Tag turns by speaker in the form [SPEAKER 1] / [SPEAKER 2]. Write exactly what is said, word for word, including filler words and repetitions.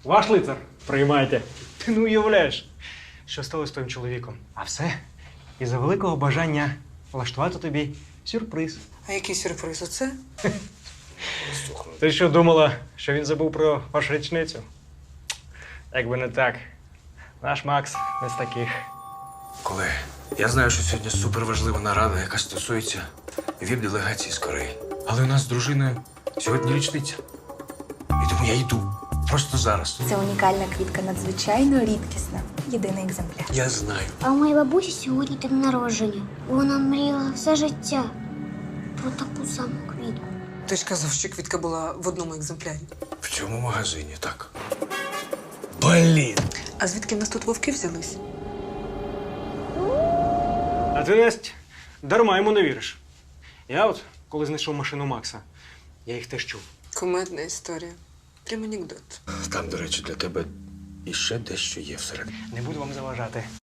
[SPEAKER 1] Ваш лицар, приймайте. Ти не уявляєш, що стало з твоїм чоловіком. А все із-за великого бажання влаштувати тобі сюрприз.
[SPEAKER 2] А який сюрприз? Оце?
[SPEAKER 1] Ти що думала, що він забув про вашу річницю? Якби не так. Наш Макс не з таких.
[SPEAKER 3] Колеги, я знаю, що сьогодні суперважлива нарада, яка стосується віп-делегації з Кореї. Але у нас з дружиною сьогодні річниця. І тому я йду. Просто зараз.
[SPEAKER 4] Це унікальна квітка, надзвичайно рідкісна. Єдиний екземпляр.
[SPEAKER 3] Я знаю.
[SPEAKER 5] А у моєї бабусі сьогодні день народження. Вона мріяла все життя про таку саму квітку.
[SPEAKER 2] Ти ж казав, що квітка була в одному екземплярі.
[SPEAKER 3] В цьому магазині, так. Блін!
[SPEAKER 2] А звідки в нас тут вовки взялись?
[SPEAKER 1] А ти, Настя, дарма йому не віриш. Я от, коли знайшов машину Макса, я їх теж чув.
[SPEAKER 2] Кумедна історія. Прям анекдот.
[SPEAKER 3] Там, до речі, для тебе іще дещо є всередині.
[SPEAKER 1] Не буду вам заважати.